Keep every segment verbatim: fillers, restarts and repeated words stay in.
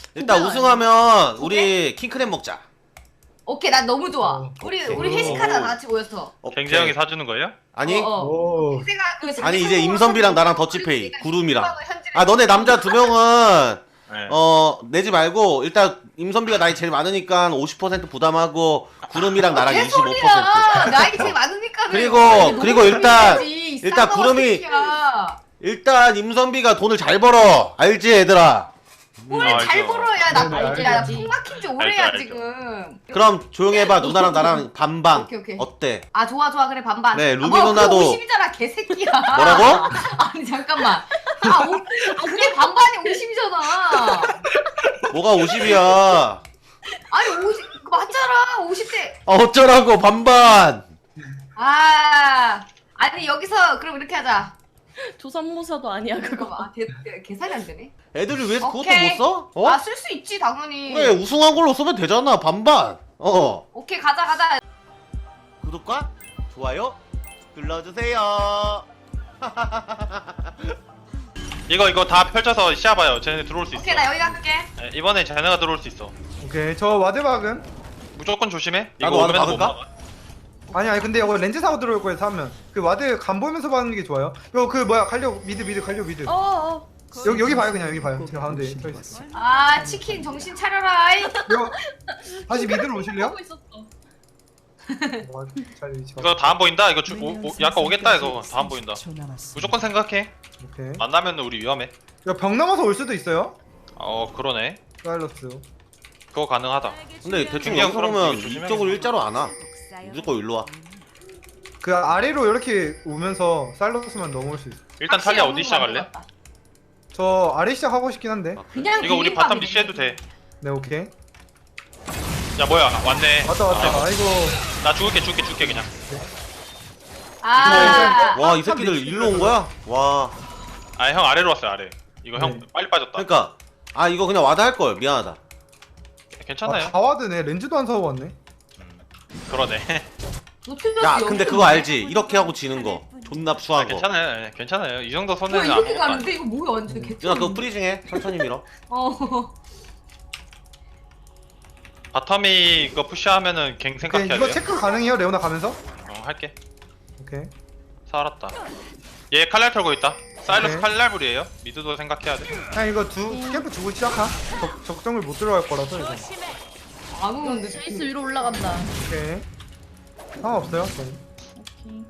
일단 우승하면 우리 킹크랩 먹자. 오케이, 난 너무 좋아. 어, 우리 오케이. 우리 회식하자 다 같이 모여서. 오케이. 갱재 형이 사주는 거예요? 아니 어, 어. 오. 생각- 그 아니 이제 생각으로 임선비랑 나랑 우리 더치페이 우리가 구름이랑. 현질을 아 너네 남자 두 명은 네. 어 내지 말고 일단 임선비가 나이 제일 많으니까 오십 퍼센트 부담하고 구름이랑 나랑 이십오 퍼센트. 개소리야. 나이 제일 많으니까. 그리고 그리고 일단 일단 구름이 일단 임선비가 돈을 잘 벌어. 알지 얘들아? 뭘 아, 잘 알죠. 벌어야 나 네, 알지. 알죠. 나풍 막힌 지 오래야 알죠, 알죠. 지금. 그럼 조용히 해봐. 누나랑 나랑 반반. 오케이, 오케이. 어때? 아 좋아 좋아 그래 반반. 네, 아, 루비 뭐, 누나도- 그거 오십이잖아 개새끼야. 뭐라고? 아니 잠깐만. 아, 오, 아 그게 반반이 오십이잖아. 뭐가 오십이야? 아니 오십 맞잖아 오십 대. 아 어쩌라고 반반. 아 아니 여기서 그럼 이렇게 하자. 조선모사도 아니야 그거. 잠깐만 아, 대, 대, 계산이 안 되네. 애들이 왜 그것도 오케이. 못 써? 어? 아 쓸 수 있지 당연히. 그래 우승한 걸로 쓰면 되잖아 반반. 어. 오케이 가자 가자. 구독과 좋아요 눌러주세요. 이거 이거 다 펼쳐서 시야봐요. 쟤네 들어올 수 있어. 오케이 나 여기 갈게. 네, 이번에 쟤네가 들어올 수 있어. 오케이. 저 와드박은? 무조건 조심해. 이거 나도 와드 오면 못 박을까? 막아. 아니 아니 근데 이거 렌즈 사고 들어올 거예요 사면. 그 와드 간 보면서 받는 게 좋아요. 이거 그 뭐야 갈려 미드 미드 갈려 미드. 어 어. 여기 여기 봐요 그냥 여기 봐요. 제가 가운데 서 있어. 아 치킨 정신 차려라. 이. 이거 다시 미드로 오실래요? 하고 있었어. 와, 잘 위치 봐. 이거 다 안 보인다. 이거 주, 오, 오, 약간 오겠다 이거 다 안 보인다. 무조건 생각해. 오케이. 만나면 우리 위험해. 이거 벽 넘어서 올 수도 있어요. 어 그러네. 사일러스. 그거 가능하다. 근데 대충 중요한 여기서 그럼 보면 이거 조심해야 이쪽으로 돼. 일자로 안 와. 무조건 일로 와. 그 아래로 이렇게 오면서 사일러스만 넘어올 수 있어. 일단 확실히 탈리아 오는 어디 거 시작할래? 같다. 저 아래 시작하고 싶긴 한데. 그냥 이거 우리 비빔밥이네. 바텀 리시해도 돼. 네 오케이. 야 뭐야 왔네. 왔다 왔다. 아, 아이고. 나 죽을게 죽을게 죽을게 그냥. 아. 와 이 새끼들 일로 온 거야? 와. 아 형 아래로 왔어요 아래. 이거 형 네. 빨리 빠졌다. 그러니까 아 이거 그냥 와드 할 걸. 미안하다. 괜찮아요. 아, 다 와드네. 렌즈도 안 사고 왔네. 그러네. 너 틀렸어. 야 근데 그거 알지? 이렇게 하고 지는 거. 존나 아, 추한 거. 괜찮아요. 예, 괜찮아요. 이 정도 야 손해는 이렇게 아무것도 아니야. 가는데 이거 뭐야 완전 개. 누나 그거 프리징해. 천천히 밀어. 어. 바텀이 이거 푸시하면은 갱 오케이, 생각해야 이거 돼요. 체크 가능해요 레오나 가면서? 어 할게. 오케이. 살았다. 얘 칼날 털고 있다. 사일러스 오케이. 칼날불이에요. 미드도 생각해야 돼. 그냥 이거 두 캠프 주고 시작하. 적, 적정을 못 들어갈 거라서 이거. 안 오는데. 제이스 위로 올라간다. 오케이. 상관없어요. 저는. 오케이.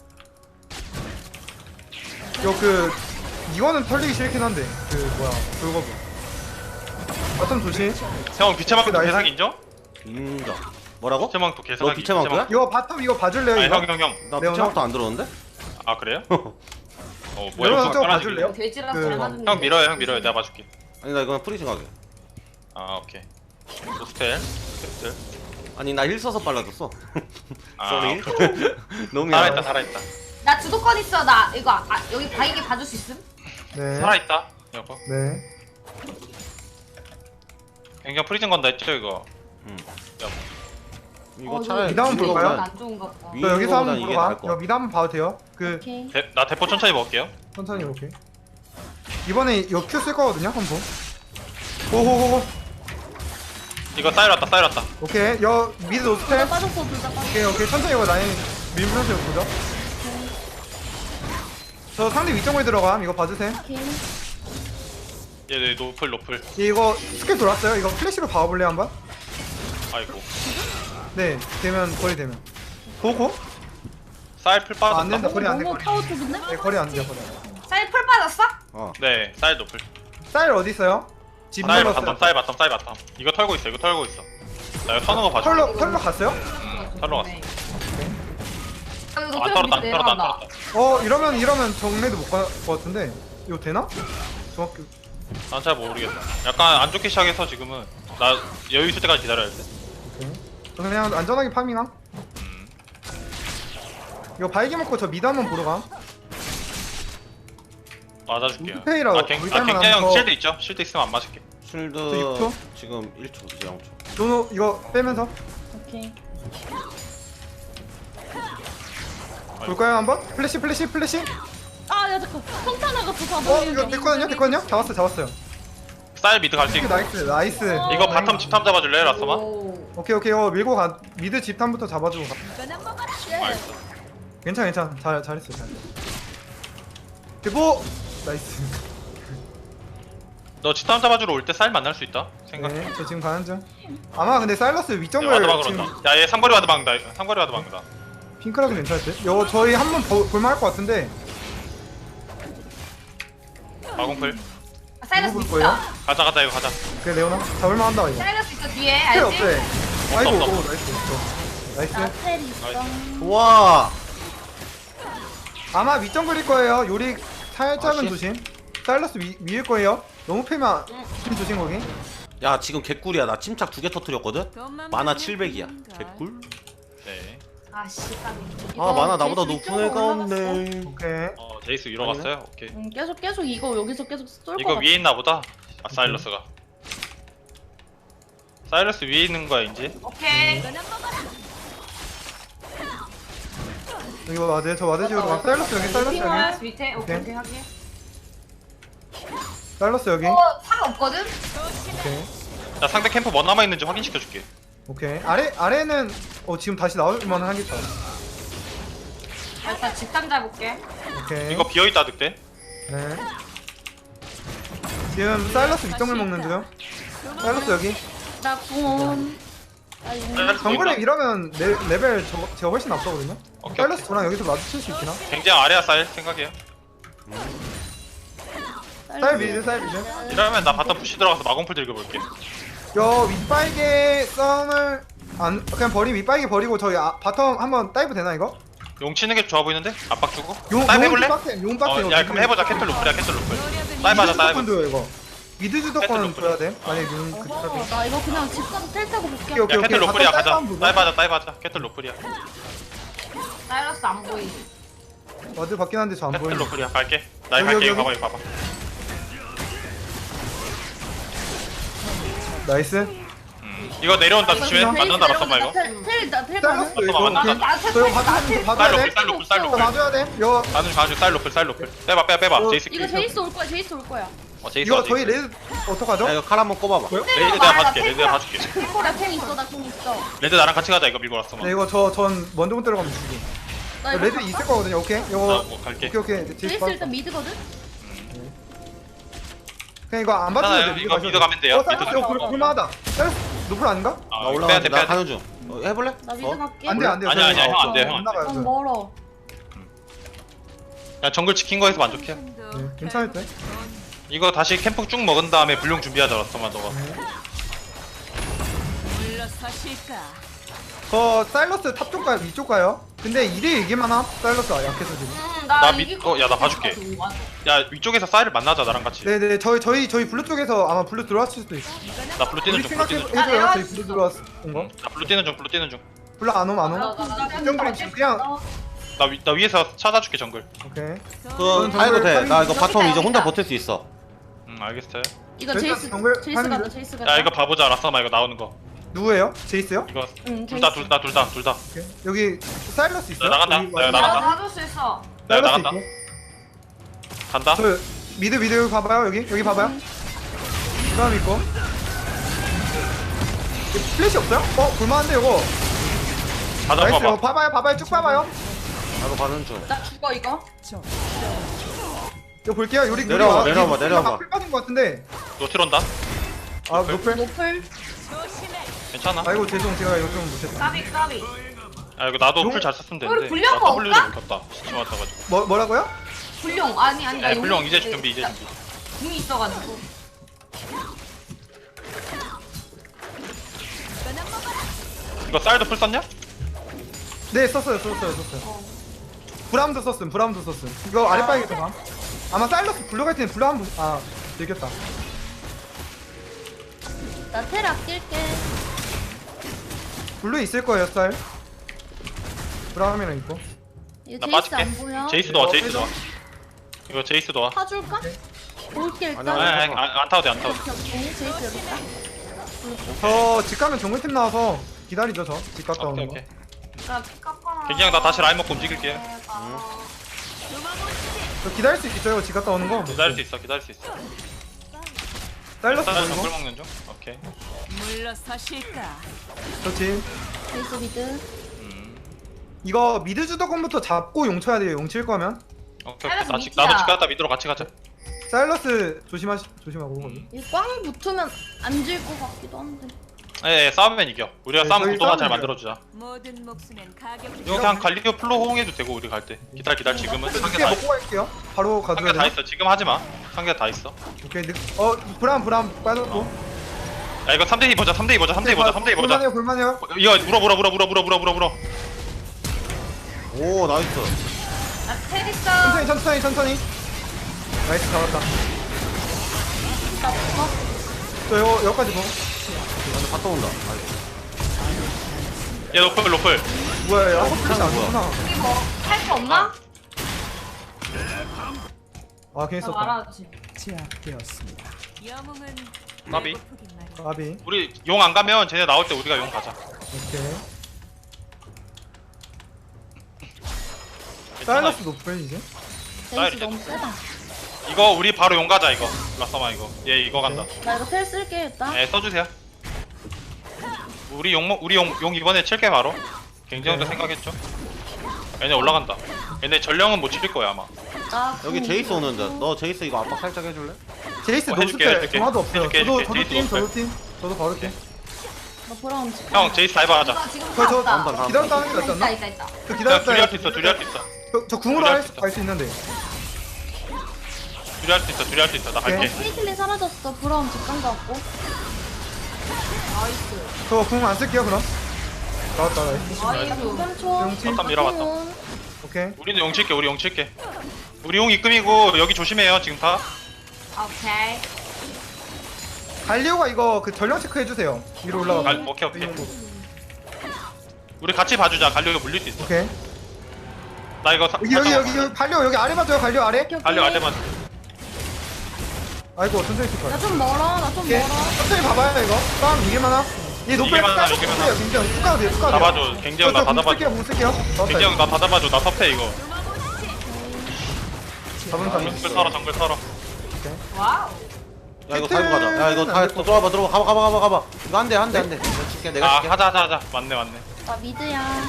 이거 그 이거는 털리기 싫긴 한데 그 뭐야 돌거부. 바텀 조심. 형 비체망도 나이스. 개사기 인정? 인정. 뭐라고? 비체망도 개사기. 너 비체망토야? 이거 바텀 이거 봐줄래요 아니 이거? 형형 형. 나 레오나? 비체막도 안 들었는데? 아 그래요? 어 뭐야 레오나 이거 좀 깔아주길래. 봐줄래요? 돼지라서 그- 잘 맞는. 형 밀어요 형 밀어요 내가 봐줄게. 아니 나 이거 프리징 하게. 아 오케이. 소스텔 스텔. 아니 나 힐 써서 빨라졌어. 아 쏘리. 오케이. 너무 살아있다 미안해. 살아있다. 나 주도권 있어 나 이거 아, 여기 바이게 봐줄 수 있음? 네. 살아있다. 여보. 네. 굉장히 프리즌 건다 했죠 이거. 응. 여보. 이거 어, 차라리 미드 한번 이거 볼까요? 안 좋은가 보다. 위- 저 여기서 한번 이게 보러 나을 가. 것 이거 같아. 미드 한번 봐도 돼요? 그 오케이. 대, 나 대포 천천히 먹을게요. 천천히 오케이. 이번에 이거 Q 쓸 거거든요 한번. 호호호호. 이거 사일 왔다 사일 왔다. 오케이. 여 미드 노스텔. 빠졌어 둘 다 빠졌어. 오케이 오케이 천천히 이거 라인 밀면서 보죠. 저 상대 위쪽에 들어감 이거 봐주세요. 오케이. 얘 노플 노플. 이거 스킬 돌았어요. 이거 플래시로 봐볼래요 한번? 아이고. 네 되면 거리 되면. 고고? 사일 풀 아, 안 빠졌다. 된다. 거리 안 돼. 너무 거리. 타워 쪽인데? 네 거리 안 돼. 거리. 쌀 풀 빠졌어? 어. 네 사일 노플. 쌀 어디 있어요? 집 사일 넘었어요. 바텀 사일 바텀 사일 바텀. 이거 털고 있어 이거 털고 있어. 나 이거 터는 거 봐줘. 털러 털러 갔어요? 응 털러 왔어. 아, 이거 안 높이가 털었다 안 밑에 털었다 안 내려간다. 털었다. 어 이러면 이러면 정례도 못 갈 것 같은데 이거 되나? 정확히 난 잘 모르겠다. 약간 안 좋게 시작해서 지금은 나 여유 있을 때까지 기다려야 돼. 오케이. 저 그냥 안전하게 파밍함. 음. 이거 바이게 먹고 저 미드 한번 보러 가. 맞아줄게요. 우드페이라고 아, 갱, 아 물살만 갱자 형 하면 실드 있죠? 실드 있으면 안 맞을게. 쉴드 저 육 초? 지금 일 초 이제 영 초. 노노 이거 빼면서 오케이. 볼까요 한번? 플래시 플래시 플래시. 아야 잠깐. 성탄 나갔어 다 어 이거 됐거든요 됐거든요. 잡았어 잡았어요. 쌀 미드 갈 수 있고. 나이스 나이스. 이거 바텀 집탐 잡아줄래 라스마? 오. 오케이 오케이 어 밀고 가 미드 집탐부터 잡아주고 가. 알겠어. 괜찮아 괜찮아 잘 잘했어 잘. 대보 나이스. 너 집탐 잡아주러 올 때 쌀 만날 수 있다 생각해. 네, 저 지금 가는 중. 아마 근데 사일러스 야, 위점을 와드 막으러 지금 온다. 야얘 삼거리 와드 막는다. 삼거리 와드 막는다. 핑크라도 괜찮을 듯. 요 저희 한번 볼만할 것 같은데. 마공풀. 아, 사이러스 누구 있어. 볼 거예요? 가자 가자 이거 가자. 그래 레오나 잡을만 한다 이거. 사이러스 있어 뒤에 필요 알지? 없대. 아이고 없어, 오 없어. 나이스 좋아. 나이스. 나텔 있어. 와. 아마 위점 그릴 거예요. 요리 살짝은 아, 씨. 조심. 사일러스 위, 위일 거예요. 너무 패면 좀 조심 거기. 야 지금 개꿀이야. 나 침착 두 개 터뜨렸거든. 만화 칠백이야. 개꿀. 네. 아씨 까비. 아 만화 나보다 제이스 높은 애가 위쪽으로 오케이. 없네. 어 제이스 위로 갔어요. 오케이. 응, 계속 계속 이거 여기서 계속 쏠 이거 거 위에 있나 보다. 아 사일러스가. 사일러스 위에 있는 거야 이제. 오케이. 여기 와드 저 와드 지우러 가. 사일러스 여기 사일러스 여기. 사이러스 밑에 오케이 오케이. 오케이 하게. 사일러스 여기. 어 상관없거든? 오케이. 자 상대 캠프 뭐 남아 있는지 확인시켜줄게. 오케이. 아래 아래는 어 지금 다시 나올만 하겠다. 나 일단 집탐 잡을게. 오케이. 이거 비어 있다 득대. 네. 지금 사일러스 위점을 먹는 중. 사일러스 여기. 나 궁. 나 용. 사일러스 정글에 보인다. 이러면 레, 레벨 저, 제가 훨씬 앞서거든요. 오케이, 사일러스 오케이. 저랑 여기서 마주칠 수 있나? 굉장히 아래야 쌀 생각이에요. 사일 미드 사일 미드. 이러면 나 바텀 푸시 들어가서 마공풀 들겨볼게. 여 윗빨개 썸을 안 그냥 버리 윗빨개 버리고 저희 아, 바텀 한번 다이브 되나 이거? 용 치는 게 좋아 보이는데? 압박 주고? 용 다이브 해볼래? 빡세 용 빡세. 어, 야 그럼 해보자. 캐틀 로플이야 캐틀 로플. 다이브 하자 다이브. 주도권도요 이거. 미드 주도권은 캐틀 줘야 돼. 만약에 용 그. 어허, 나 이거 그냥 집 가서 텔 타고 볼게. 오케이, 오케이. 야 캐틀 로플이야 바텀 가자. 다이브 한번 다이브 하자 다이브 하자. 캐틀 로플이야. 사이러스 안 보이. 와드 받긴 한데 저 안 캐틀 보이네. 로플이야 갈게. 나 이거 여기, 갈게 이거 여기. 봐봐 이거 봐봐. 나이스. 음. 이거 내려온다 조심해. 만난다 라썸마 이거. 텔텔나텔 사일러스 가는. 이거. 만난다. 오케이. 나 저 이거 봐줘야 돼. 봐줘야 쌀 로플 돼. 쌀 로플 쌀 저 로플. 봐줘야 돼. 이거 가는 가는 쌀 로플 쌀 로플. 빼봐 빼봐 빼봐. 어, 제이스 이거 킬. 제이스 올 거야. 제이스 올 거야. 어 제이스 이거 와줘. 저희 레드 어떡하죠? 야 이거 칼 한번 꼽아봐. 뭐요? 레드 내가 봐줄게. 레드 내가 봐줄게. 나텔 있어. 나궁 있어. 레드 나랑 같이 가자 이거 밀고 라썸마. 네 이거 저 전 먼저 못 들어가면 죽이. 나 이거 레드 가- 있을 거거든요. 오케이. 나 이거 뭐 갈게. 오케이 오케이. 제이스 제이스 받았어. 일단 미드거든. 그냥 이거 안 봐줘도 괜찮아요. 돼. 이거 미드 가면 돼요. 어, 사이러스 미드 이거 볼- 가면. 볼만하다. 사이러스 노플 아닌가? 아, 나 이거 올라가. 빼야 돼 나 빼야 돼. 가는 중. 어, 해볼래? 나 미드 어? 갈게. 안 돼, 안 돼. 아니야, 아니야, 형 안 돼, 형 안 안 나가요. 넌 저. 멀어. 야 정글 지킨 거에서 만족해. 네, 괜찮을 때. 이거 다시 캠프 쭉 먹은 다음에 불용 준비하자 라썸마 너가. 저 사일러스 탑 쪽 가요? 위쪽 가요? 근데 이 대 일기만 함? 사일러스 약해서 지금. 음, 나 나 밑- 이길 어, 야, 나 봐줄게. 야 위쪽에서 쌀을 만나자 나랑 같이. 네네 저희 저희 저희 블루 쪽에서 아마 블루 들어왔을 수도 있어. 나 블루 뛰는 우리 중 블루 생각해 뛰는 중. 아, 해줘요. 내가 저희 블루 들어왔은 거. 나 블루 뛰는 중 블루 뛰는 중. 블루 안 옴, 안 옴. 정글이 지금 그냥 나, 위, 나 위에서 찾아줄게 정글. 오케이. 그다 해도 돼. 나 이거 바텀 이제 혼자 버틸 수 있어. 응 알겠어요. 이거 일단 제이스 정글 제이스 하는 가자. 중. 제이스 가자. 야 이거 봐보자 라썸마 이거 나오는 거. 누구예요? 제이스요? 이거 응, 둘 다 둘 다 둘 다 둘 다. 오케이. 여기 사일러스 있어요? 나 나간다. 여기 나 와- 나간다. 나 받을 수 있어. 내가 사일러스 나간다. 있고. 간다. 저 미드 미드 여기 봐봐요 여기 여기 봐봐요. 그다음 있고. 이거 플래시 없어요? 어 볼만한데 이거. 가자 나이스 이거 봐봐. 봐봐요 봐봐요 쭉 봐봐요. 나도 가는 중. 나 죽어 이거. 이거 볼게요. 요리 내려와봐, 내려와봐, 내려와봐. 풀 빠진 것 같은데. 노틸 온다. 아 노플. 노플. 괜찮아. 아이고 죄송 제가 이거 좀 못했다. 까비 까비. 야 이거 나도 용- 풀 잘 썼으면 우리 되는데. 불량 나 W를 먹을까? 못 켰다. 시치 맞아가지고. 뭐 뭐라고요? 불룡 아니 아니 나 야 용- 불용 이제 준비 이제 준비. 궁이 있어가지고. 이거 쌀도 풀 썼냐? 네 썼어요 썼어요 썼어요. 브라움도 썼음 브라움도 썼음. 이거 아랫바에서 봐. 아마 사일러스 블루갈 때는 블루 한번 아 들켰다. 나텔 아낄게. 블루 있을 거예요 스타일. 브라움이랑 있고. 이거 나 제이스 안 빠질게. 보여? 제이스도 와 이거 제이스도 와. 해줘. 이거 제이스도 와. 타줄까? 볼게 일단. 아니야, 아니 아니야. 아니 안, 안 타도 돼안 타도 돼. 오케이, 오케이. 제이스 여기 있다. 저집 가면 정글팀 나와서 기다리죠 저. 집 갔다 오케이 오는 거. 오케이. 나 깎아. 굉장히 나 다시 라인 먹고 움직일게. 저 기다릴 수 있겠죠 이거 집 갔다 오는 거. 기다릴 수 있어 기다릴 수 있어. 사일러스 일단은 보이고. 정글 먹는 중. 오케이. 물러서실까? 그렇지. 베이스 미드. 음. 이거 미드 주도권부터 잡고 용 쳐야 돼요. 용 칠 거면. 오케이. 오케이. 사일러스 나 지, 미끼야. 나도 집 갔다 미드로 같이 가자. 사일러스 조심하시 조심하고. 음. 이꽝 붙으면 안 질 것 같기도 한데. 예, 예, 싸우면 이겨. 우리가 네, 싸움 저희 구도만 싸우면 잘 이겨요. 만들어주자. 모든 목숨엔 가격이 이거 그냥 갈리오 플로 호응해도 되고 우리 갈 때. 기다려 기다려 지금은 상계 늦게 다 먹고 있어. 갈게요. 바로 가도 상계 다 돼요. 있어. 지금 하지 마. 상계 다 있어. 오케이. 늦... 어 브람 브람 빠졌고. 야 이거 삼 대 이 보자. 삼 대 이 보자. 삼 대 이 보자. 삼 대 이 보자. 볼만해요 볼만해요. 이거 물어 물어 물어 물어 물어 물어 물어 물어. 오 나이스. 나텔 있어. 천천히 천천히 천천히. 나이스 잡았다. 나 붙어. 저 이거 여기까지 먹어. 완전 갔다 온다. 아이, 얘 로플 로플. 뭐야 야 플래시 안 좋구나. 여기 뭐할 거 없나? 아 괜히 나 썼다. 말하지. 영웅은 나비. 배고프긴 마련. 아비. 우리 용 안 가면 쟤네 나올 때 우리가 용 가자. 오케이. 괜찮아. 사일러스 높을 이제. 사이드 베이스 너무 세다. 이거 우리 바로 용 가자 이거. 라싸마 이거. 얘 이거 간다. 나 이거 텔 쓸게 일단. 예, 써주세요. 우리 용 먹- 우리 용, 용 이번에 칠게 바로. 굉장히 생각했죠. 얘네 올라간다. 얘네 전령은 못 칠 거야 아마. 나 여기 궁 제이스 있어. 오는데 너 제이스 이거 압박 살짝 해줄래? 제이스 어, 노스 해줄게, 텔 해줄게. 정화도 없어요. 해줄게, 저도 해줄게. 저도 제이스 팀 노스 저도 팀 저도 바로 팀. 나 브라운 집. 형 제이스 다이버 하자. 나 지금 저, 저, 갔다. 다음 판, 기다렸다 하는 게 낫지 있다 않나? 있다 있다. 저 야, 기다렸다. 둘이 할 수 있어. 둘이 할 수 있어. 저, 저 궁으로 둘이 할 할수 수 있어. 갈 수 있는데. 둘이 할 수 있어. 둘이 할 수 있어. 나 갈게. 케이틀린 사라졌어. 브라운 집간 거 같고. 나이스. 저 궁 안 쓸게요 그럼. 나왔다 나이스. 나이스. 삼 초. 용팀. 바텀 밀어봤다. 오케이. 우리는 용 칠게. 우리 용 칠게. 우리 용 입금이고 여기 조심해요 지금 다. 오케이. 갈리오가 이거 그 전령 체크 해주세요. 위로 올라가. 갈- 오케이 오케이. 우리 같이 봐주자. 갈리오가 물릴 수 있어. 오케이. 나 이거 사, 여기 여기 여기 여기 갈리오 여기 아래 봐줘요 갈리오 아래. 오케이, 오케이. 갈리오 아래만. 아이고 천천히 쓸 거야. 나 좀 멀어. 나 좀 오케이. 멀어. 천천히 봐봐요 이거. 싸움 이길만 하. 얘 노플 이길만 하나, 쭉 이길만 가세요, 하나. 김정. 쭉 가도 돼요. 쭉 가도 돼요. 잡아줘. 갱재형 나 저, 저 받아봐줘. 쓸게요 못 쓸게요. 잡았다, 갱재형 이거. 나 받아봐줘. 나 섭해 이거. 잡은 사람. 정글 털어 정글 털어. 와우. 야 이거 타이거 가자. 야 이거 다 들어와봐 들어와 가봐 가봐 가봐 가봐. 이거 안돼 안돼 안돼. 내가 칠게 내가 아 칠게. 하자 하자 하자. 맞네 맞네. 나 미드야.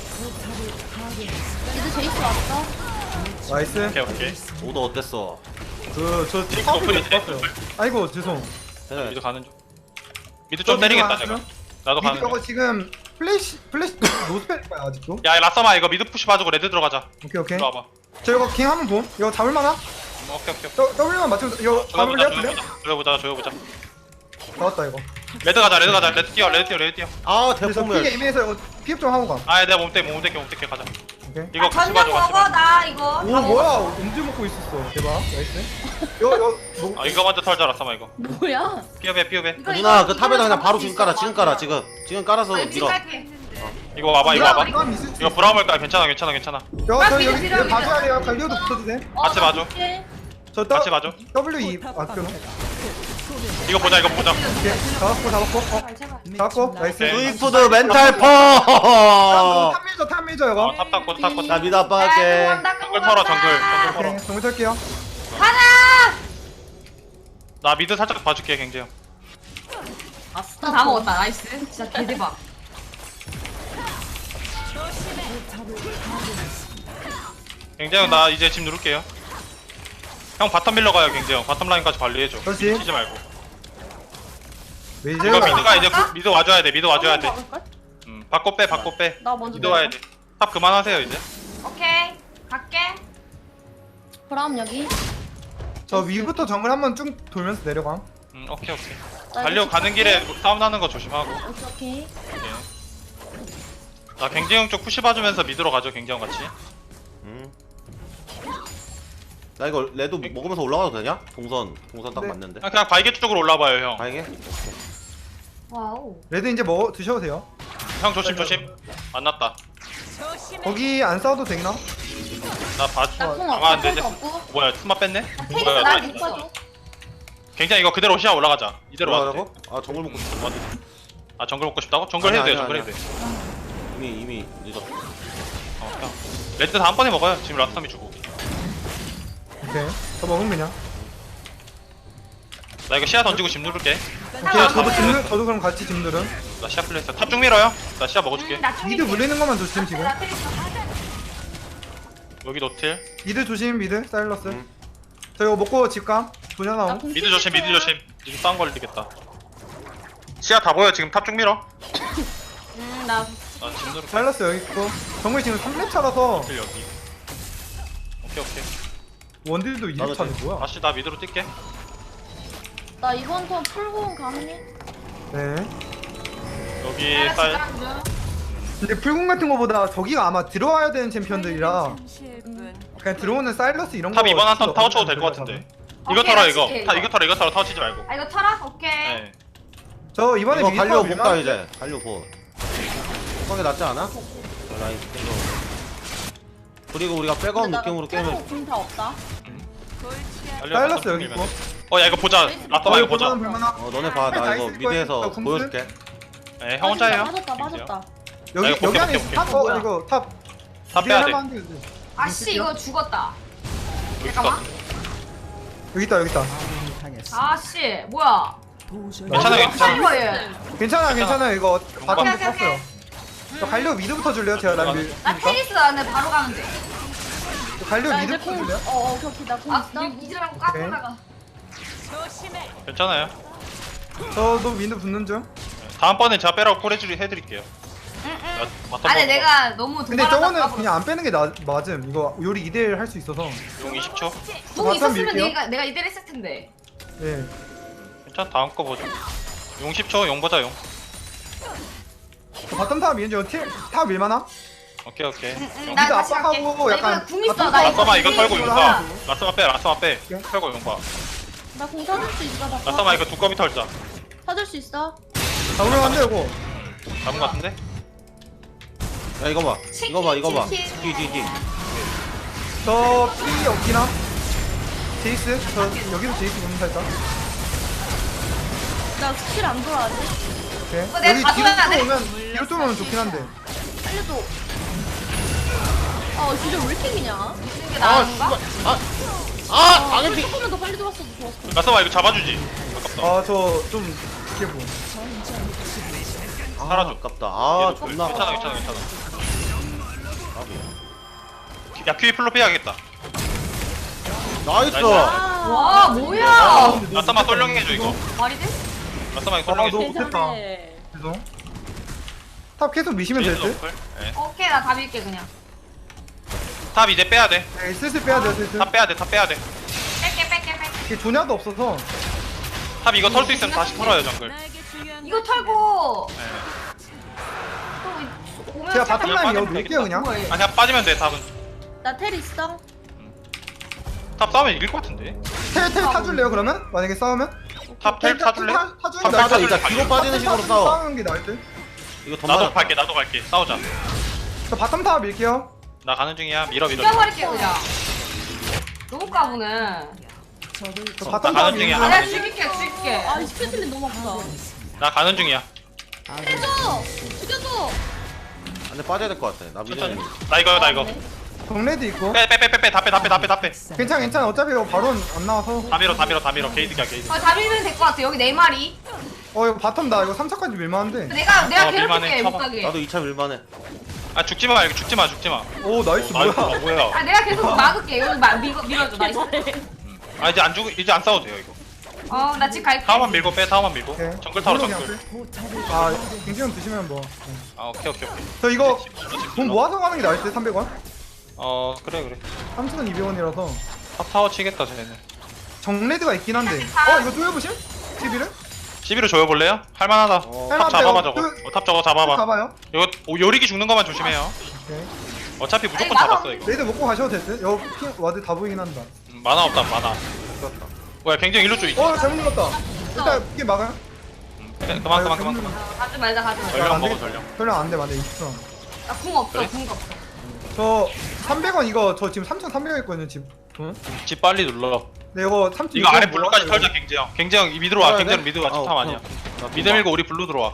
미드 제이스 왔어. 나이스. 오케이 오케이. 오더 어땠어? 그저 틱 파워풀 노플이지. 좋았어요. 아이고 죄송. 네. 미드 가는 중. 미드 좀 때리겠다 제가. 나도 미드 가는 중. 이거 지금 플래시 플래시 노스펠 거야 아직도. 야 라싸마 이거 미드 푸시 봐주고 레드 들어가자. 오케이 오케이. 들어와봐. 저 이거 킹 한번 봄. 이거 잡을만하? 음, 오케이 오케이. 저 W만 맞추면 이거 잡을래요? 조여보자 그래? 조여보자 조여보자. 나왔다 이거. 레드 가자 레드 가자 레드 뛰어 레드 뛰어 레드 뛰어. 아 그래서 대포멸. 픽 에이미에서 이거 피업 좀 하고 가. 아 내가 몸대 몸대 몸대 가자. 오케이. 이거 아, 같이 전력 봐줘 같이 먹어 봐줘. 나 이거. 오 뭐야? 음주 먹고 있었어. 대박. 나이스. 이거 이거 뭐 아 이거 먼저 털자 라싸마 이거. 뭐야? 피업해 피업해. 이거, 누나 이거, 그 탑에다 이거를 그냥 바로 잡을 지금 수 깔아 있어, 지금 깔아 맞아. 지금 지금 깔아서 아, 밀어. 지금 할게. 이거 와봐 이거 와봐. 이거 있을 수 이거 있어. 브라움일까 괜찮아 괜찮아 괜찮아. 야, 저 미드, 여기 미드, 여기 미드. 봐줘야 돼요. 갈리오도 붙어도 돼. 어, 같이 나 봐줘. 볼게. 저 같이 봐줘. W E 아껴놓. 이거 보자 이거 보자. 오케이. 잡았고 잡았고. 어, 제발 제발. 잡았고. 나이스. 오케이. 스위프드 멘탈 퍼. 탑 밀죠 탑 밀죠 어, 이거. 탑 닦고 탑 닦고. 나 미드 압박할게. 정글 털어 정글 정글 털어. 오케이. 정글 찰게요. 나 미드 살짝 봐줄게 갱재 형. 아싸 다 먹었다. 나이스. 진짜 개대박. 갱재 형나 이제 집 누를게요. 형 바텀 밀러 가요 갱재 형. 바텀 라인까지 관리해줘. 그렇지. 치지 말고. 왜 이거 이제 미드가 이제 구- 미드 와줘야 돼. 미드 와줘야 돼. 먹을걸? 음 바꿔 빼 바꿔 빼. 나 먼저 미드 와야 돼. 탑 그만하세요 이제. 오케이. 갈게. 브라운 여기. 저 위부터 정글 한번 쭉 돌면서 내려가. 음 오케이 오케이. 나 달려 이거 가는 길에 싸움 나는 거 조심하고. 오케이 오케이. 오케이. 나 갱재 형쪽 푸시 봐주면서 미드로 가죠 갱재 형 같이. 음. 나 이거 레드 먹으면서 올라가도 되냐? 동선 동선 딱 네. 맞는데. 그냥, 그냥 바이게 쪽으로 올라봐요 형. 가이게? 와우. 레드 이제 먹어 드셔도 돼요. 형 조심 조심. 안 났다. 조심해. 거기 안 싸워도 되나? 나 봐. 나궁 아, 안 없어. 되지. 콩 없고. 뭐야 스마 뺐네? 테이크 뭐야 나 나 믿- 이뻐줘. 굉장히 이거 그대로 시야 올라가자. 이대로 와도 돼. 올라가라고? 아 정글 먹고 싶어. 아 정글 먹고 싶다고? 정글 아니야, 해도 돼 아니야, 정글 해도 돼. 이미 이미 늦었어. 어, 형. 레드 다음번에 먹어요. 지금 라스타미 주고. 오케이. 더 먹으면 그냥. 나 이거 시야 던지고 집 누를게. 오케이 저도 집 누, 저도 그럼 같이 집 누름. 나 시야 플레이스. 탑중 밀어요. 나 시야 먹어줄게. 음, 나 좀 미드 물리는 것만 조심 지금. 나 테리스. 여기 노틸. 미드 조심 미드 사일러스. 음. 저 이거 먹고 집감. 도냐 나옴. 미드 조심, 미드 조심. 미드 싸움 걸리겠다. 시야 다 보여. 지금 탑중 밀어. 음나 나집 누를게. 사일러스 여기 있고. 정글 지금 삼 렙 차라서 노틸 여기. 오케이 오케이. 원딜도 이 렙 차네 뭐야? 다시 나 미드로 뛸게. 나 이번 턴 풀고온 가능해? 네. 여기 쌀. 근데 풀공 같은 거보다 저기가 아마 들어와야 되는 챔피언들이라 잠시일 뿐. 그냥 들어오는 사일러스 이런 거. 탑 이번 한턴 필요 타워 쳐도 없는 될 것 거예요, 같은데. 오케이, 이거 털어 나 이거. 칠게, 타 이거. 이거 털어 이거 털어 타워 치지 말고. 아 이거 털어? 오케이. 네. 저 이번에 이거 미드 갈려 타워 못 밀만- 가 이제. 갈려 보. 그게 낫지 않아? 라인 땡겨. 그리고 우리가 백업 느낌으로 게임을 궁다 없다. 골치야. 달려, 사일러스 바텀 여기 밀면 있고. 돼. 어, 야 이거 보자. 라터마 어 이거 이거 보자. 볼만한 볼만한. 어 너네 봐. 나 다 이거 있을 거야. 미드에서 나 공수? 보여줄게. 네, 형 혼자예요. 빠졌다 빠졌다. 여기 이거 여기 볼게, 안에 볼게, 탑 볼게. 어 이거 탑. 다 빼야 돼. 할만한데, 이제. 아씨 이거 죽었다. 여기 잠깐만. 있어. 여기 있다 여기 있다. 아씨 뭐야? 괜찮아, 괜찮아. 이거 얘. 괜찮아 괜찮아 이거 바텀도 오케이, 오케이, 썼어요. 저 갈려 미드부터 줄래요? 제가 라인 밀. 나 테리스 안에 바로 가면 돼. 갈려 나 이제 미드부터 공. 줄래요? 어어 오케이 오케이 나공 아 있어. 이제라고 까다가. 조심해. 괜찮아요. 저도 미드 붙는 중. 다음번에 제가 빼라고 콜해주리 해드릴게요. 응응. 나 바텀 아니 먹어. 내가 너무 근데 도발하다 저거는 까불었어. 그냥 안 빼는 게 나, 맞음. 이거 요리 이 대 일 할 수 있어서. 용 이십 초. 공 바텀 있었으면 밀게요. 내가 내가 이대로 했을 텐데. 예. 괜찮아. 다음 거 보자. 용 십 초. 용 보자 용. 저 바텀 타워 미는 중. 티- 타워 밀만함? 오케이 오케이. 응, 응, 용. 나 미드 다시 갈게. 압박하고 나 약간 이거 궁 있어. 바텀 나 이거 라서마 이거 궁 털고 있어. 용 봐. 라서마 빼. 라서마 빼. 오케이. 털고 용 봐. 나공 사줄 수 있어. 나 라서마 이거 두꺼비 털자. 사줄 수 있어. 잡으면 안 돼, 이거. 잡은 거 같은데? 야 이거 봐. 이거 봐. 이거 봐. 치킨. 뒤뒤뒤. 저 피 없기나? 제이스? 저 여기서 제이스 보는 살짝. 나 스킬 안 돌아가지? 오케이. 어, 내가 여기 뒤로 가져가야 돼. 뚫으면, 뒤로 뚫으면 좋긴 한데. 살려줘. 어 진짜 왜 이렇게 기냐? 이게 아 나은가? 씨발. 아. 아 방해피. 조금만 더 빨리 들어왔어도 좋았어. 라서마 이거 잡아주지. 아깝다. 아, 저 좀, 이게 뭐. 아, 사라져. 아깝다. 아 얘도 존나. 괜찮아 괜찮아 괜찮아. 아깝다. 야 큐이 플로 빼야겠다. 나이스. 나이스. 와 뭐야? 라서마 썰렁해줘 이거. 말이 돼? 라서마 이거 아, 너- 썰렁해줘. 못했다. 죄송. 탑 계속 미시면 될 듯? 네. 오케이 나 다 밀게 그냥. 탑 이제 빼야 돼. 네, 슬슬 빼야 돼요, 슬슬. 탑 빼야 돼. 탑 빼야 돼. 뺄게 뺄게 뺄게. 이게 조냐도 없어서. 탑 이거 털 수 있으면 다시 털어요 정글. 나에게 중요한 이거 건 털고 네. 또 오면 제가 살짝 바텀 라인 빠지면 여기 밀게요, 그냥. 뭐야, 얘. 아 그냥 빠지면 돼 탑은. 나텔 있어. 탑 싸우면 이길 것 같은데. 텔, 텔 타줄래요, 그러면? 만약에 싸우면? 탑 텔 타줄래? 타- 타주는 탑 게 맞아. 나을 이제 듯? 뒤로 빠지는 식으로 탑 싸워. 싸우는 게 나을 듯? 이거 더 나도 맞아. 갈게 나도 갈게. 싸우자. 저 바텀 타워 밀게요. 나 가는 중이야. 밀어 밀어. 죽여버릴게 그냥. 너무 까부네. 저 나 바텀 타워 가는 중이야. 밀게요. 아, 내가 죽일게 죽일게. 아 이 스킬 틀린 너무 아프다. 나 가는 중이야. 해줘. 죽여줘. 안돼 빠져야 될 것 같아. 나 천천히. 미드. 나 이거요 나 이거. 정레드 있고. 빼 빼 빼 빼 빼 다 빼 다 빼 다 빼 다 빼. 괜찮아, 괜찮아. 어차피 이거 바로 안 나와서. 다 밀어 다 밀어 다 밀어. 게이드야 게이드. 어, 다 밀면 될 것 같아. 여기 네 마리. 어, 이거 바텀 나 이거 삼 차까지 밀만한데. 내가 내가 어, 밀만해. 괴롭힐게 쳐봐. 못 가게. 나도 이 차 밀만해. 아 죽지 마 이거 죽지 마 죽지 마. 오, 나이스, 나이스 뭐야. 뭐야. 아 내가 계속 막을게. 여기 막 밀어 밀어줘. 나이스. 아 이제 안 죽 이제 안 싸워도 돼요 이거. 어나 집 갈게. 타워만 밀고 빼 타워만 밀고. 오케이. 정글 타워 그걸로 정글. 그냥 빼. 아, 갱지형 드시면 뭐. 아 오케이 오케이 오케이. 저 이거 집 돈 눌러. 모아서 가는 게 나을 듯, 삼백 원? 어 그래 그래. 삼천 원, 이백 원이라서. 탑 타워 치겠다 쟤네. 정레드가 있긴 한데. 어, 이거 쪼여보실? 십일을? 시비를 조여볼래요? 할만하다. 어. 탑 잡아봐 저거. 그- 어, 탑 저거 잡아봐. 가봐요. 이거 오, 요리기 죽는 것만 조심해요. 오케이. 어차피 무조건 아니, 잡았어 나도 이거. 레드 먹고 가셔도 될 듯? 여기 핑 와드 다 보이긴 한다. 음, 만화 없다 만화. 죽었다. 뭐야 굉장히 일로 쪽 있지. 어, 잘못 눌렀다. 일단 이게 막아요? 음, 그래, 그만 그만 그만 그만. 어, 가지 말자 가지 말자. 전령 안 먹어, 되겠다. 전령. 전령 안 돼, 맞네. 이십 원. 나궁 없어 그래? 궁 없어. 저 삼백 원 이거 저 지금 삼천삼백 원 있거든요, 집. 응? 집 빨리 눌러. 네, 이거 삼천. 이거 아래 블루까지 털자 갱재형. 갱재형 이 미드로 와. 털어야 갱재형 돼? 미드 와. 아, 집탐 오케이. 아니야. 나 미드 밀고 우리 블루 들어와.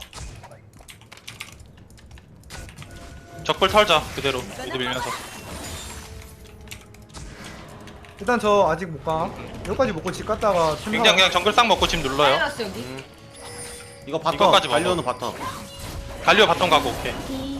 적불 털자 그대로 미드 밀면서. 일단 저 아직 못 가. 여기까지 먹고 집 갔다가 굉장히 그냥 정글 싹 먹고 집 눌러요. 사이러스 여기. 음. 이거 바텀 이거까지 먹어. 갈려는 바텀. 갈리오 바텀 가고 오케이.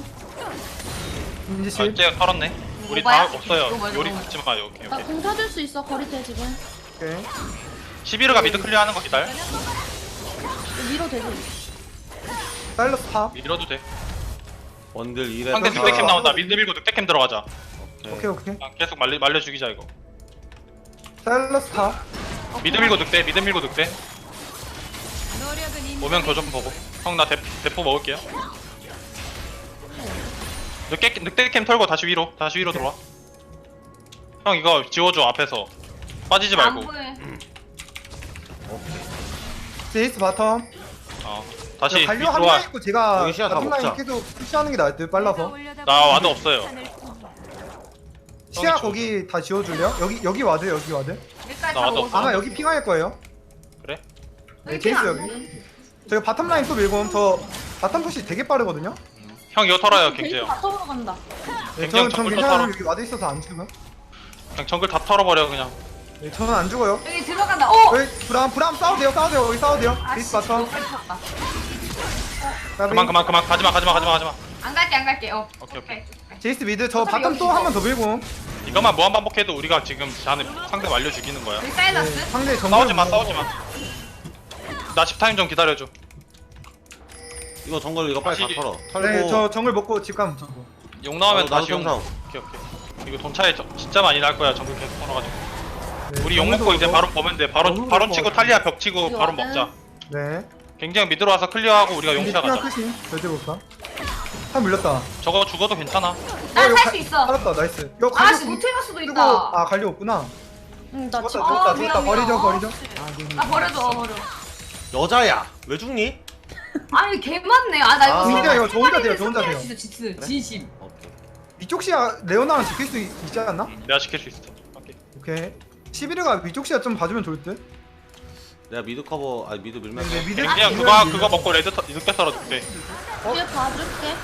민지 씨. 아, 쟤 털었네. 우리 뭐야? 다 없어요. 이거 뭐야, 요리 이거 붙지 마요. 오케이 나 오케이. 공 사줄 수 있어 거리대 지금. 오케이. 시비르가 미드 클리어하는 거 기다려. 위로 되지. 사일러스 탑. 밀어도 돼. 원딜 이래. 상대 늑대캠 나온다. 미드 밀고 늑대캠 들어가자. 오케이 오케이. 그냥 계속 말려 말려 죽이자 이거. 사일러스 탑. 미드 밀고 늑대. 미드 밀고 늑대. 노력은 인 오면 교정 보고. 형 나 대포 먹을게요. 늑대 늑대캠 털고 다시 위로. 다시 위로 들어와. 형 이거 지워줘 앞에서. 빠지지 안 말고. 보여. 제이스 바텀. 어. 다시 관료 위로 한 와. 명 있고 제가 여기 시야 다 바텀 라인 먹자. 계속 푸시하는 게 나을 듯 빨라서. 나 와드 없어요. 시야 형이 거기 다 지워줄래요? 여기 여기 와드 여기 와드. 여기까지 나 다 와도 먹었어. 아마 여기 핑할 거예요. 그래? 네, 제이스 여기. 저희 바텀 라인 또 밀고 오면 저 바텀 푸시 되게 빠르거든요. 형 이거 털어요 베이스 갱제요. 바텀으로 간다. 네, 굉장히 저는 전 정글 괜찮아요. 털어. 여기 와드 있어서 안 죽어요. 그냥 정글 다 털어버려 그냥. 네, 저는 안 죽어요. 여기 들어간다. 어. 여기 브람 브람 싸워도 돼요. 싸워도 돼요. 여기 싸워도 돼요. 제이스 아씨. 바텀. 너무 빨리 쳤다. 그만 그만 그만 가지마 가지마 가지마 가지마. 안 갈게 안 갈게. 어. 오케이, 오케이. 제이스 미드 저 어차피 바텀 여기 또 있어. 한 번 더 밀고. 이것만 무한 반복해도 우리가 지금 자네 상대 말려 죽이는 거야. 여기 네, 사이러스. 상대 정글 싸우지 마 싸우지 마. 나 십 타임 좀 기다려줘. 이거 정글 이거 빨리 다 다시- 털어. 털고. 네, 저 정글 먹고 집 가면 저. 용 나오면 어, 나도 다시 용. 평상. 오케이 오케이. 이거 돈 차이 저- 진짜 많이 날 거야 정글 계속 털어가지고. 네, 우리 용 먹고 이제 바로 보면 돼. 바로 너무 바로 좋을 치고 것 같아. 탈리아 벽 치고 이거 바로 와드. 먹자. 네. 굉장히 미드로 와서 클리어하고 우리가 근데 용차 피가 가자. 끝이 절대 못 가. 한 물렸다. 저거 죽어도 괜찮아. 난 살 수 있어. 살았다. 나이스. 이거 갈려 아씨 못해갈 수도 쓰고 있다. 아 갈려 없구나. 응나 죽었다 지금. 죽었다 아, 죽었다. 미안, 버리죠 미안. 버리죠. 아 버려줘 어, 버려. 여자야. 왜 죽니? 아니 개 많네. 아나 이거 아. 세 진짜 번- 이거 저 혼자 세 돼요, 저 혼자 번이나 돼요. 진짜 진짜 진심. 오케이. 위쪽 시야 레오나랑 지킬 수 있, 있지 않나? 응, 내가 지킬 수 있어. 오케이. 오케이. 시비르가 위쪽 시야 좀 봐주면 좋을 듯. 내가 미드 커버 아니 미드 밀면서. 네, 미드 그냥 그거 그거 먹고 레드 터, 늑대 털어 늑대. 뒤에 봐줄게.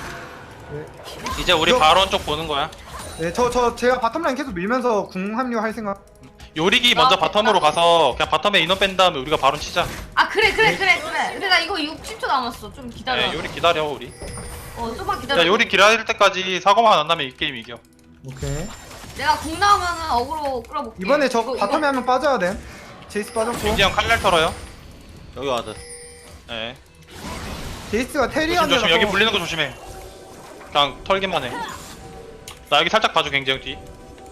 이제 우리 이거- 바론 쪽 보는 거야. 네, 저 저 제가 바텀 라인 계속 밀면서 궁 합류할 생각. 요리기 먼저 아, 바텀으로 가서 그냥 바텀에 인원 뺀 다음에 우리가 바론 치자. 아 그래 그래 그래 그래. 근데 나 이거 육십 초 남았어. 좀 기다려. 네, 요리 기다려 우리. 어 좀만 기다려. 야 요리 기다릴 때까지 사고만 안 나면 이 게임 이겨. 오케이. 내가 공 나오면은 어그로 끌어볼게. 이번에 저 이거- 바텀에 이거- 한 명 빠져야 돼. 제이스 빠졌고. 굉장히 칼날 털어요. 여기 와드. 네. 제이스가 조심 테리안이라서. 조심 여기 불리는 거 조심해. 그냥 털기만 해. 나 여기 살짝 봐줘 굉장히 뒤.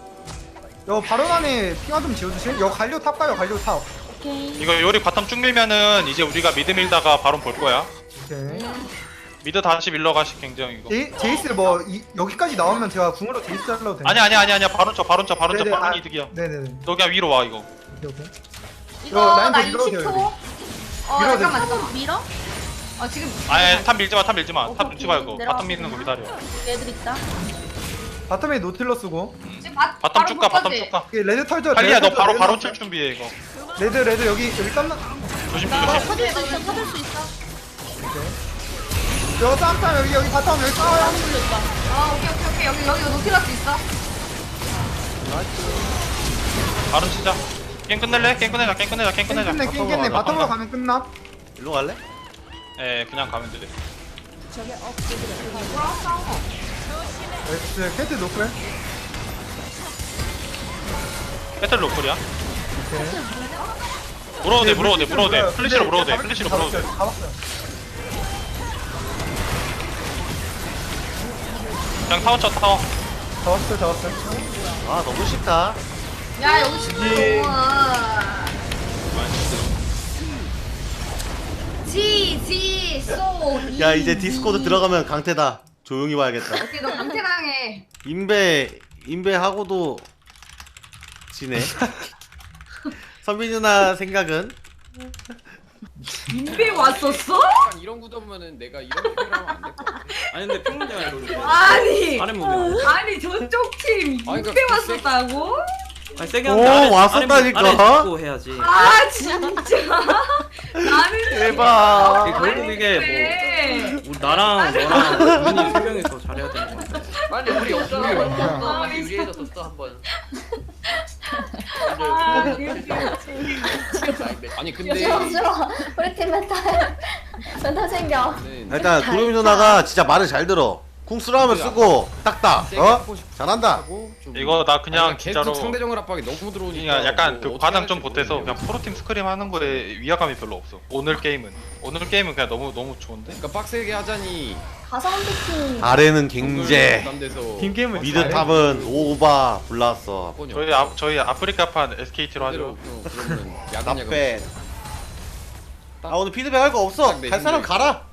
여 바론 안에 핑화 좀 지워주실? 여 갈려 탑 가요 갈려 탑. 오케이. 이거 요리 바텀 쭉 밀면은 이제 우리가 미드 밀다가 바론 볼 거야. 오케이. 미드 다시 밀러가시 굉장히 이거. 제이, 제이스 뭐 이, 여기까지 나오면 제가 궁으로 제이스 잘라도 돼요? 아니 아니 아니 아니야 바론 쳐 바론 쳐 바론 쳐 네네, 바론 아, 이득이야. 네네네. 너 그냥 위로 와 이거. 오케이 오케이. 이거 이거 라인 나 더 밀어도 돼요, 이십 초. 어 밀어도 잠깐만 돼요. 잠깐만. 밀어? 어 지금. 아예 탑 밀지 마, 탑 밀지 마. 탑 오케이, 눈치 말고 내려와. 바텀 미는 거 기다려. 얘들 있다. 바텀에 노틸러스고. 지금 바, 바텀 쭉 가, 볼 바텀 거지? 쭉 가. 오케이, 레드 털죠. 탈리야, 레드 너 털죠, 바로 레드 바로 털죠. 칠 준비해 이거. 레드 레드 여기 여기 땀나. 조심 나 조심. 찾을 수 있어. 찾을 수 있어. 여기 쌈쌈 여기 여기 바텀 여기 싸워요. 아 오케이 오케이 오케이 여기 여기 노틸러스 있어. 바로 치자. 게임 끝낼래? 게임 끝내자, 게임 끝내자, 게임 끝내자. 끝내 깽겠네. 바텀으로 바텀으로 가면 끝나. 일로 갈래? 예, 그냥 가면 돼. 뭐라 싸워. 네, 캐트 노플. 배틀 로컬이야. 오케이. 물어도 돼, 네, 물어도 돼, 물어도 돼. 물어요. 플래시로 네, 물어도 돼, 잡았어요, 플래시로 물어도 돼. 잡았어요. 그냥 타워 쳐, 타워. 잡았어요. 잡았어요. 아 너무 쉽다. 야 여기 십 초 예. 동안. 지지 소. 야 이제 디스코드 들어가면 강태다. 조용히 봐야겠다. 오케이 너 강태당해. 인베 인베 하고도 지네. 선빈 누나 생각은? 인베 왔었어? 약간 이런 구도면은 내가 이런 표현을 하면 안 될 것 같아. 아니 근데 평론이야 이거. 아니 아래 보면. 아니 저쪽 팀 아니, 인베 그러니까 왔었다고? 아니 세게 오, 하는데 아래 왔었다니까. 아래, 아래 짚고 해야지. 아 진짜 나는 대박. 아, 결국 이게 뭐 뭐 우리 나랑 너랑 눈이 세 명이서 잘해야 되는 건데. 아니 우리 없잖아. 아, 많이 진짜. 유리해졌었어 한 번. 아니 근데 싫어 싫어. 우리 팀 멘탈 멘탈 챙겨. 일단 구름이 누나가 진짜 말을 잘 들어. 궁 쓰라면 쓰고 딱딱. 세게 어? 하고 싶- 잘한다. 하고 좀- 이거 나 그냥 아니, 계속 진짜로 상대정을 압박이 너무 들어오니까 그냥 약간 뭐 그 어떻게 과장 좀 할지 보태서 모르겠네요. 그냥 프로팀 스크림 하는 거에 위화감이 별로 없어. 오늘 게임은 오늘 게임은 그냥 너무 너무 좋은데. 그러니까 빡세게 하자니 가상 피킹. 아래는 갱제. 부담돼서 팀게임을 미드 탑은 오바 불났어. 번역. 저희 아, 저희 아프리카판 에스케이티로 하죠. 그대로 그러면 야간 야간 나빼. 아 오늘 피드백 할 거 없어. 딱 내 갈 사람 생각에. 가라.